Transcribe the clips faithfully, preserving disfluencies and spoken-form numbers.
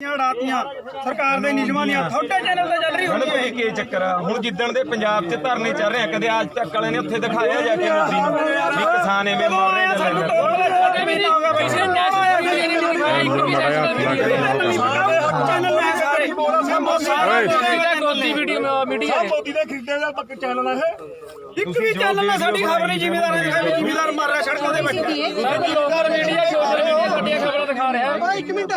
सरकार दे नियमां दी थोड़े चैनल ते चल रही होनी है की चक्कर आ हुण जिद्दण दे पंजाब च धरने चल रहे कदे आज तक वाले ने उत्थे दिखाया जाके मोदी नूं भी किसान एवें मर रहे एक भी चैनल ना साडी खबर नहीं जिम्मेदार है जिम्मेदार मार रहा सड़कों पे बैठे मीडिया सोशल मीडिया ਵੱਡੀਆਂ ਖਬਰਾਂ ਦਿਖਾ ਰਿਹਾ एक मिनट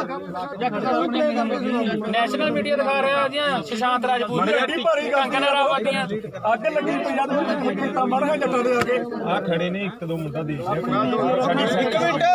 ਨੈਸ਼ਨਲ ਮੀਡੀਆ ਦਿਖਾ ਰਿਹਾ ਜੀ ਸੁਸ਼ਾਂਤ ਰਾਜਪੂਤ ਦੀ ਕੰਗਨਾ ਰਾਵਤ ਦੀਆਂ ਅੱਗ ਲੱਗੀ ਪੰਜਾਬ ਦੇ ਖੇਤਾਂ ਮਰ ਗਏ ਜੱਟਾਂ ਦੇ ਆ ਕੇ ਆ ਖੜੇ ਨੇ ਇੱਕ ਦੋ ਮੁੰਡਾ ਦੇਖ ਲਿਆ ਸਾਡੀ ਇੱਕ ਮਿੰਟ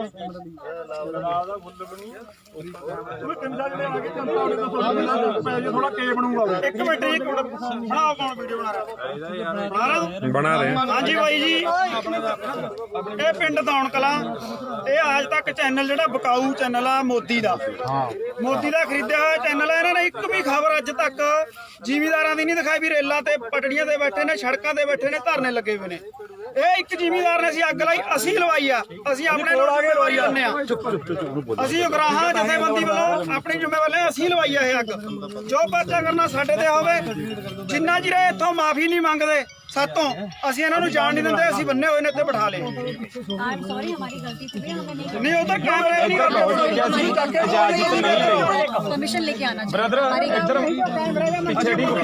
ਉਹ ਕੰਡਾ ਜਿਹੜੇ ਆ ਕੇ ਜਨਤਾ ਉਹਦੇ ਤੋਂ ਪੈ ਜੇ ਥੋੜਾ ਕੇ ਬਣੂਗਾ ਇੱਕ ਮਿੰਟ ਇੱਕ ਮਿੰਟ ਬਣਾਓ ਕੌਣ ਵੀਡੀਓ ਬਣਾ ਰਿਹਾ ਬਣਾ ਰਹੇ ਹਾਂਜੀ ਬਾਈ ਜੀ ਇਹ ਪਿੰਡ ਦੌਣ ਕਲਾਂ ਇਹ ਅੱਜ ਤੱਕ ਚੈਨਲ ਜਿਹੜਾ ਬਕਾਊ ਚੈਨਲ ਆ ਮੋਦੀ ਦਾ ਮੋਦੀ ਦਾ ਖਰੀਦਿਆ ਹੋਇਆ ਚੈਨਲ ਹੈ ਇਹਨਾਂ ਨੇ ਇੱਕ ਵੀ ਖਬਰ ਅੱਜ ਤੱਕ ਜ਼ਿਮੀਂਦਾਰਾਂ ਦੀ ਨਹੀਂ ਦਿਖਾਈ ਵੀ ਰੇਲਾਂ ਤੇ ਪਟੜੀਆਂ ਤੇ ਬੈਠੇ ਨੇ ਸੜਕਾਂ ਤੇ ਬੈਠੇ ਨੇ ਧਰਨੇ ਲੱਗੇ ਹੋਏ ਨੇ ਇਹ ਇੱਕ ਜ਼ਿਮੀਂਦਾਰ ਨੇ ਅਸੀਂ ਅੱਗ ਲਾਈ ਅਸੀਂ ਲਵਾਈ ਆ ਅਸੀਂ ਆਪਣੇ ਲੋਕ ਲਵਾਈ ਜਾਂਦੇ ਆ ਅਸੀਂ ਉਗਰਾਹਾਂ ਜਥੇਬੰਦੀ ਵੱਲੋਂ ਆਪਣੀ ਜ਼ਿੰਮੇਵਾਰੀ ਅਸੀਂ ਲਵਾਈ ਆ ਇਹ ਅੱਗ ਜੋ ਪਰਚਾ ਕਰਨਾ ਸਾਡੇ ਤੇ ਹੋਵੇ ਜਿੰਨਾ ਚਿਰ ਇੱਥੋਂ ਮਾਫੀ ਨਹੀਂ ਮੰਗਦੇ सातों ਅਸੀਂ ਇਹਨਾਂ ਨੂੰ ਜਾਣ ਨਹੀਂ ਦਿੰਦੇ ਅਸੀਂ ਬੰਨੇ ਹੋਏ ਨੇ ਇੱਥੇ ਬਿਠਾ ਲਏ आई एम सॉरी हमारी गलती थी भैया हमें नहीं नहीं उधर कैमरे नहीं करते इजाजत नहीं ले परमिशन लेके आना चाहिए ब्रदर हमारी इधर गलती पीछे ठीक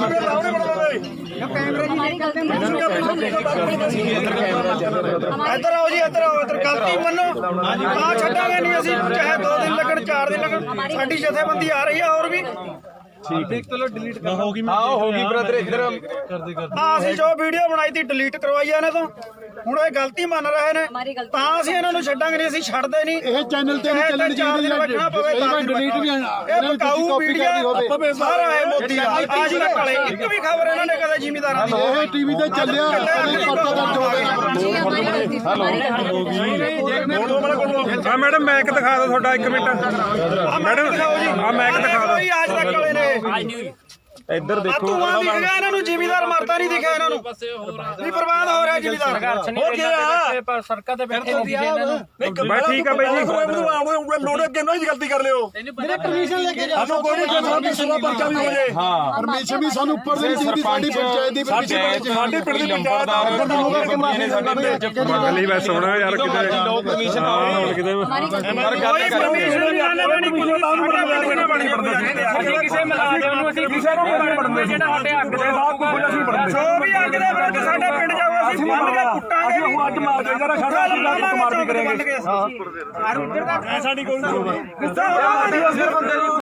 हमारी गलती इधर आओ जी इधर आओ इधर गलती मनो हां छड्डांगे नहीं ਅਸੀਂ ਚਾਹੇ दो दिन लगन चार दिन लगन ਸਾਡੀ ਜਥੇਬੰਦੀ ਆ ਰਹੀ ਹੈ ਹੋਰ ਵੀ ठीक है चलो डिलीट कर होगी हां होगी ब्रदर इधर कर दे कर हां ਅਸੀਂ ਜੋ ਵੀਡੀਓ ਬਣਾਈ ਤੀ ਡਿਲੀਟ ਕਰਵਾਈ ਇਹਨਾਂ ਤੋਂ ਹੁਣ ਇਹ ਗਲਤੀ ਮੰਨ ਰਹੇ ਨੇ ਤਾਂ ਅਸੀਂ ਇਹਨਾਂ ਨੂੰ ਛੱਡਾਂਗੇ ਨਹੀਂ ਅਸੀਂ ਛੱਡਦੇ ਨਹੀਂ ਇਹ ਚੈਨਲ ਤੇ ਨਹੀਂ ਚੱਲਣੀ ਚਾਹੀਦੀ ਹੈ ਡਿਲੀਟ ਵੀ ਇਹ ਬਕਾਊ ਵੀਡੀਓ ਸਾਰਾ ਹੈ ਮੋਦੀ ਦਾ ਅੱਜ ਤੱਕ ਵਾਲੇ ਇੱਕ ਵੀ ਖਬਰ ਇਹਨਾਂ ਨੇ ਕਦੇ ਜ਼ਿਮੀਂਦਾਰਾਂ ਦੀ ਇਹ ਟੀਵੀ ਤੇ ਚੱਲਿਆ ਕਦੇ ਪਰਚਾ ਦਰਜ ਹੋ ਗਿਆ ਹਾਂ ਮੈਡਮ ਮੈਕ ਦਿਖਾ ਦਿਓ ਤੁਹਾਡਾ ਇੱਕ ਮਿੰਟ ਮੈਡਮ ਆ ਮੈਕ ਦਿਖਾ ਦਿਓ ਅੱਜ ਤੱਕ ਵਾਲੇ ਨੇ ਇੱਧਰ ਦੇਖੋ ਧੂਆਂ ਦਿਖ ਗਿਆ ਇਹਨਾਂ ਨੂੰ ਜ਼ਿਮੀਂਦਾਰ ਮਰਦਾ ਨਹੀਂ ਦਿਖਿਆ ਇਹਨਾਂ ਨੂੰ ਵੀ ਬਰਬਾਦ ਹੋ ਰਿਹਾ ਜ਼ਿਮੀਂਦਾਰ ਹੋ ਗਿਆ ਪਰ ਸੜਕਾਂ ਤੇ ਬੈਠੇ ਨਹੀਂ ਦਿਖੇ ਇਹਨਾਂ ਨੂੰ ਬਸ ਠੀਕ ਆ ਬਾਈ ਜੀ ਲੋੜ ਅੱਗੇ ਨਾ ਗਲਤੀ ਕਰ ਲਿਓ मेरे परमिशन लेके जाओ ਸਾਨੂੰ ਕੋਈ ਨਹੀਂ ਸਾਡੀ ਸੇਵਾ ਪਰਚਾ ਵੀ ਹੋ ਜੇ ਹਾਂ ਪਰਮਿਸ਼ਨ ਵੀ ਸਾਨੂੰ ਉੱਪਰ ਦੇ ਚਾਹੀਦੀ ਸਾਡੀ ਪੰਚਾਇਤ ਦੀ ਸਾਡੇ ਸਾਡੇ ਪਿੰਡ ਦੀ ਪੰਚਾਇਤ ਆ ਨੇ ਸਾਡੇ ਪਿੰਡ ਚ ਮੰਗ ਲਈ ਬਸ ਸੋਣਾ ਯਾਰ ਕਿਤੇ ਲੋਕ ਕਮਿਸ਼ਨ ਆਉਣ ਕਿਤੇ ਪਰ ਗੱਲ परमिशन नहीं आने वाली कुछ ਤਾਂ ਨੂੰ ਬਣੀ ਪੜਦਾ ਅਸੀਂ ਕਿਸੇ ਮਲਾਜ਼ਮ ਨੂੰ ਅਸੀਂ ਕਿਸੇ ਨੂੰ ਨਹੀਂ ਪੜਦੇ ਜਿਹੜਾ ਸਾਡੇ ਅੱਗ ਦੇ ਸਾਹ ਕੁਝ ਅਸੀਂ ਪੜਦੇ ਜੋ ਵੀ ਅੱਗ ਦੇ ਵਿਰੁੱਧ ਸਾਡੇ ਪਿੰਡ ਜਾਵੇ ਅਸੀਂ ਬੰਨ ਕੇ ਕੁੱਟਾਂਗੇ ਅਸੀਂ ਅੱਜ ਮਾਰ ਦੇ ਜਰਾ ਸਾਡਾ ਅਸੀਂ ਲਾ ਕੇ ਮਾਰ ਵੀ ਕਰਾਂਗੇ ਹਾਂ ਸਾਡੀ ਕੋਈ ਗੁੱਸਾ ਹੋ ਰਿਹਾ ਬੰਦੇ ਨੂੰ